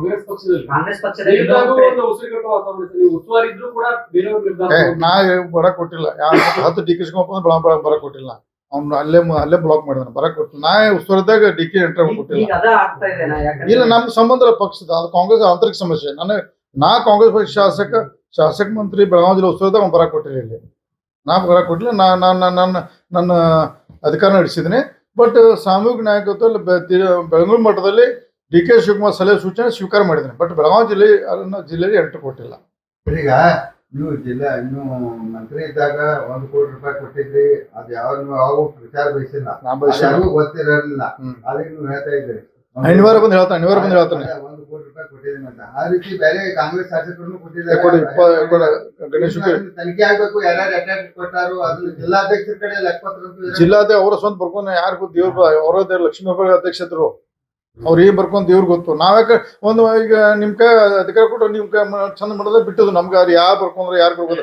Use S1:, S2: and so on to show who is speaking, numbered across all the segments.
S1: ಕಾಂಗ್ರೆಸ್ ಪಕ್ಷದಲ್ಲಿ
S2: ಉಸ್ತುವಾರಿ ಇದ್ರು ಕೂಡ
S3: ನಾ ಬರಕ್ ಕೊಟ್ಟಿಲ್ಲ 10 ಡಿ ಕೆ ಶಿವಕುಮಾರ್ ಬರಕ್ ಕೊಟ್ಟಿಲ್ಲ. ಅವ್ನು ಅಲ್ಲೇ ಬ್ಲಾಕ್ ಮಾಡಿದಾನೆ, ಬರಕ್ ಕೊಟ್ಟಿಲ್ಲ. ನಾ ಉಸ್ತುವಾರಿದಾಗ ಡಿ ಕೆ ಎಂಟ್ರಿ ಕೊಟ್ಟಿಲ್ಲ. ಇಲ್ಲ, ನಮ್ ಸಂಬಂಧ ಪಕ್ಷದ ಅದು ಕಾಂಗ್ರೆಸ್ ಆಂತರಿಕ ಸಮಸ್ಯೆ. ನಾ ಕಾಂಗ್ರೆಸ್ ಪಕ್ಷ ಶಾಸಕ ಮಂತ್ರಿ ಬೆಳಗಾವಿ ಜಿಲ್ಲೆ ಉಸ್ತುವಾರಿದಾಗ ಬರಕ್ ಕೊಟ್ಟಿಲ್ಲ. ಇಲ್ಲಿ ನಾ ಬರಕ್ ಕೊಟ್ಟಿಲ್ಲ. ನನ್ನ ಅಧಿಕಾರ ನಡೆಸಿದ್ದೀನಿ. ಬಟ್ ಸಾಮೂಹಿಕ ನಾಯಕತ್ವ ಬೆಳಗಾವಿ ಮಟ್ಟದಲ್ಲಿ ಡಿ ಕೆ ಶಿವಕುಮಾರ್ ಸಲಹೆ ಸೂಚನೆ ಸ್ವೀಕಾರ ಮಾಡಿದ್ದೇನೆ. ಬಟ್ ಬೆಳಗಾವಿ ಜಿಲ್ಲೆಯಲ್ಲಿ ಎಂಟ್ರಿ ಕೊಟ್ಟಿಲ್ಲ.
S4: ಈಗ ನೀವು ನೀವು ಮಂತ್ರಿ ಇದ್ದಾಗ 1 ಕೋಟಿ ರೂಪಾಯಿ ಕೊಟ್ಟಿದ್ರಿ. ಅದು ಯಾವ ವಿಚಾರ ಬಯಸಿಲ್ಲ, ಗೊತ್ತಿರಲಿಲ್ಲ. ಅದಕ್ಕೆ ನೀವು ಹೇಳ್ತಾ ಇದ್ರಿ
S3: ಅನಿವಾರ್ಯ ಬಂದು ಹೇಳ್ತಾನೆ
S4: 1 ಕೋಟಿ ರೂಪಾಯಿ ಕೊಟ್ಟಿದ್ದೀನಿ ಅಂತ. ಆ ರೀತಿ ಬೇರೆ ಕಾಂಗ್ರೆಸ್ ಶಾಸಕರನ್ನು ಕೊಟ್ಟಿದ್ದಾರೆ.
S3: ಗಣೇಶ್
S4: ತನಿಖೆ ಆಗ್ಬೇಕು, ಯಾರ್ಯಾರು ಅಟ್ಯಾಕ್ ಕೊಟ್ಟಾರು ಅದನ್ನ ಜಿಲ್ಲಾಧ್ಯಕ್ಷರ ಕಡೆ ಲೆಕ್ಕಪತ್ರ
S3: ಜಿಲ್ಲಾಧ್ಯಕ್ಷ ಅವರ ಸ್ವಂತ ಬರ್ಕೊಂಡು ಯಾರಿಗೂ ದೇವ್ರ ಅವರ ಲಕ್ಷ್ಮೀ ಅಧ್ಯಕ್ಷರು ಅವ್ರು ಏನ್ ಬರ್ಕೊಂಡ್ ದೇವ್ರಿಗೆ ಗೊತ್ತು. ನಾವ್ಯಾಕೆ ಈಗ ನಿಮ್ ಕೈ ಅಧಿಕಾರ ಕೊಟ್ಟು ನಿಮ್ ಕೈ ಚಂದ ಮಾಡೋದ ಬಿಟ್ಟದು. ನಮ್ಗೆ ಅವ್ರು ಯಾರು ಬರ್ಕೊಂಡ್ರೆ ಯಾರು ಬರ್ಬೋದು.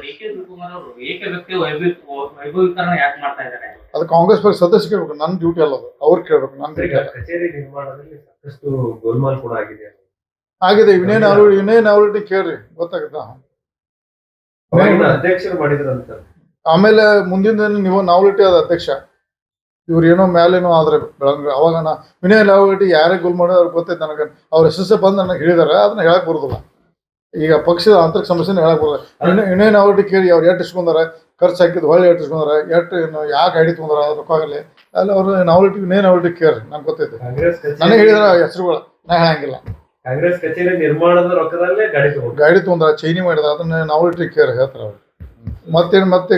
S3: ಅದು ಕಾಂಗ್ರೆಸ್ ಪಕ್ಷ ಸದಸ್ಯ ಕೇಳ್ಬೇಕು. ನನ್ನ ಡ್ಯೂಟಿ ಅಲ್ಲ, ಅದು ಅವ್ರು ಕೇಳ್ಬೇಕು. ನನ್ನ ಡ್ಯೂಟಿ ಅಲ್ಲ.
S2: ಕಚೇರಿ ನಿರ್ಮಾಣದಲ್ಲಿ ಸಾಕಷ್ಟು ಗೋಲ್ಮಾಲ್ ಕೂಡ
S3: ಆಗಿದೆ. ಇನ್ನೇನ್ ಅವ್ರಿಗೆ ಕೇಳ್ರಿ, ಗೊತ್ತಾಗುತ್ತ.
S2: ಅಧ್ಯಕ್ಷರು ಮಾಡಿದ್ರಂತ.
S3: ಆಮೇಲೆ ಮುಂದಿನ ದಿನ ನೀವು ನಾವಲಿಟಿ ಅದ ಅಧ್ಯಕ್ಷ. ಇವ್ರು ಏನೋ ಮೇಲೇನೋ ಆದ್ರೆ ಬೆಳಗ್ಗೆ ಅವಾಗ ವಿನಯ್ ನಾವಲಿಟಿ ಯಾರೇ ಗೋಲ್ ಮಾಡೋ ಅವ್ರಿಗೆ ಗೊತ್ತೈತೆ. ನನಗೆ ಅವ್ರ ಎಸ್ ಬಂದು ನನಗೆ ಹೇಳಿದಾರೆ, ಅದನ್ನ ಹೇಳಕ್ ಬರೋದಿಲ್ಲ. ಈಗ ಪಕ್ಷದ ಆಂತರಿಕ ಸಮಸ್ಯೆನ ಹೇಳಕ್ ಬರೋದಿಲ್ಲ. ವಿನಯ್ ನಾವಲಿಟಿ ಕೇಳಿ ಅವ್ರು ಎಷ್ಟು ಇಸ್ಕೊಂಡಾರೆ, ಖರ್ಚು ಹಾಕಿದ್ದು ಹೊಳ್ಳಿ ಎಷ್ಟು ಇಸ್ಕೊಂಡಾರೆ, ಯಾಕೆ ಐಡಿ ತೊಗೊಂಡ್ರ ಅದ್ರ ರೊಕ್ಕಾಗಲಿ ಅಲ್ಲ. ಅವ್ರು ವಿನಯ್ ನಾವಲಿಟಿ ಕೇಳ್ರಿ, ನಂಗೆ ಗೊತ್ತೈತೆ. ನನಗೆ ಹೇಳಿದಾರೆ ಹೆಸರುಗಳು, ನಾ ಹೇಳಂಗಿಲ್ಲ.
S2: ಕಾಂಗ್ರೆಸ್ ಕಚೇರಿ ನಿರ್ಮಾಣದ ರೊಕ್ಕದಲ್ಲೇ
S3: ಗಾಡಿ ತೊಗೊಂಡ್ರ, ಚೈನಿ ಮಾಡಿದ, ಅದನ್ನ ನಾವಲಿಟಿ ಕೇರ್ ಹೇಳ್ತಾರ ಅವ್ರು. ಮತ್ತೇನು ಮತ್ತೆ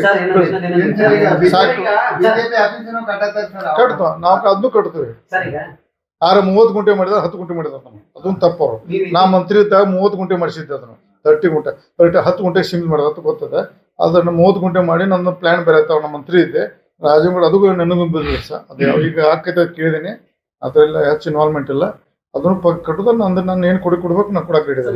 S3: ಕಟ್ತಾವ. ನಾವು ಅದನ್ನು ಕಟ್ತೀವಿ. 30 ಗುಂಟೆ ಮಾಡಿದ 10 ಗುಂಟೆ ಮಾಡಿದ ಅದೊಂದು ತಪ್ಪವ್ರು. ನಾ ಮಂತ್ರಿ ಇದ್ದಾಗ 30 ಗುಂಟೆ ಮಾಡಿಸಿದ್ದೆ. ಅದನ್ನು 30 ಗುಂಟೆ 10 ಗುಂಟೆ ಸೀಮಿತ ಮಾಡಿದ ಅಂತ ಗೊತ್ತದ. ಅದನ್ನ 30 ಗುಂಟೆ ಮಾಡಿ ನನ್ನ ಪ್ಲಾನ್ ಬೇರೆ ಆಯ್ತಾವ. ನಮ್ಮ ಮಂತ್ರಿ ಇದ್ದೆ ರಾಜಂಗೌಡ, ಅದು ನನಗೂ ಬಿಸ್ನೆಸ್. ಅದು ಈಗ ಆಕೈತೆ ಕೇಳಿದೀನಿ. ಅದರೆಲ್ಲ ಹೆಚ್ಚು ಇನ್ವಾಲ್ವ್ಮೆಂಟ್ ಇಲ್ಲ. ಅದನ್ನು ಕಟ್ಟೋದ ನಾನು ಏನು ಕೊಡ್ಬೇಕು ನಾನು ಕೊಡಕ್ಕೆ ಹೇಳಿದೆ.